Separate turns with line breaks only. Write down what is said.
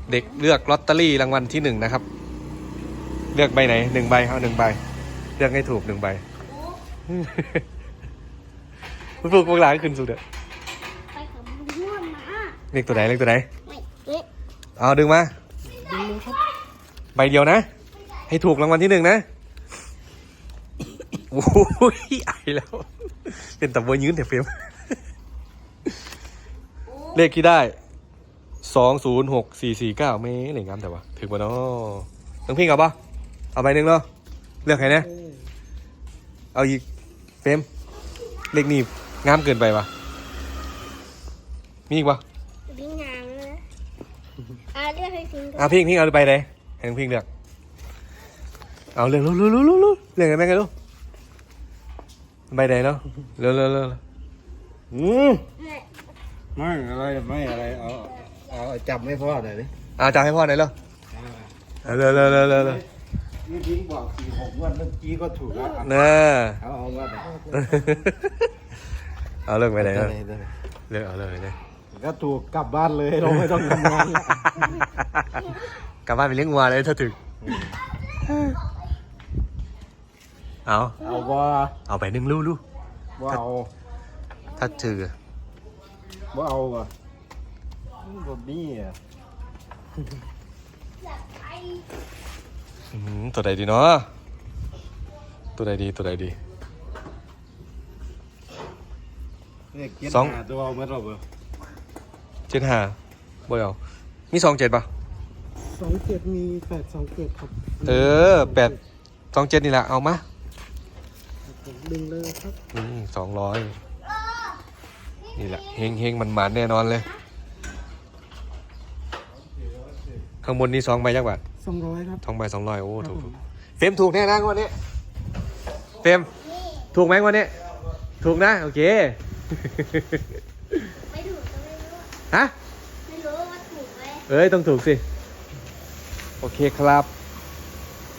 เด็กเลือกลอตเตอรี่รางวัลที่1นะครับเลือกใบไหน1 ใบเอา1 ใบเลือกให้ถูก1 ใบคุณฟูกพวกหลานขึ้นสุดเด้อ
ไปกับลุงม่วนมา
เลขตัวไหนเลขตัวไหน
ไม่เอ๊ะ
เอาดึงมา
ดึงเลยครับ
ใบเดียวนะให้ถูกรางวัลที่1นะโอ้ยไอแล้วเป็นตะบัวยืนแต่เฟรมเลขที่ได้206449ไม่เหล่งงามแต่ว่าถึงป่ะเนาะต้องพิงเอาป่ะเอาใบหนึ่งเนาะเลือกใครเนี่ยเอาอีกเฟรมเลขนี้งามเกินไปป่ะมีอีกป่ะ
ดึงงามนะเรียกให้พิงก่อน
พิงเอาไปไหนให้พิงเลือกเอาเลือกรู้เลือกกันไหมกันลูกใบไหนเนาะเร็ว
ไม่อะไรเอาจับไม่พอหน่อยดิ
จับให้พ่อหน่อยเร็วเร็ว
นี่ทิ้งบอก4-6 วันเมื่อกี้ก็ถูกแล้ว
น่า
เอาว่า
เอาเลิกไปไหนเลิกเอาเลยเนี่ย
ก็ถูกกลับบ้านเลยเราไม่ต้องทำงาน
กลับบ้านไปเลี้ยงวัวเลยถ้าถึงเอา
ว่า
เอาไป1 ลูก
ว่าเอา
ถ้าถือ
ว่าเอาอ่ะบอบบี้อ่ะ
ตัวใดดีเนาะตัวใดดี
เนี่ย
สอง
ตัวเอาเมื่อไหร่เบอร์
75บ่เอามี27ป่ะ
27มี827ครับ
827นี่แหละเอามา
ดึงเลยครับ
200นี่แหละเฮงมันแน่นอนเลยข้างบนนี่2 ใบยักษ์บาท
200ครับ
2 ใบ200โอ้ถูกเฟรมถูกแน่นะวันนี้เฟรมถูกไหมวันนี้ถูกนะโอเค
ไม่ถูกก็ไม่รู้
ฮะ
ไม่รู้ว่าถูกไหม
ต้องถูกสิโอเคครับ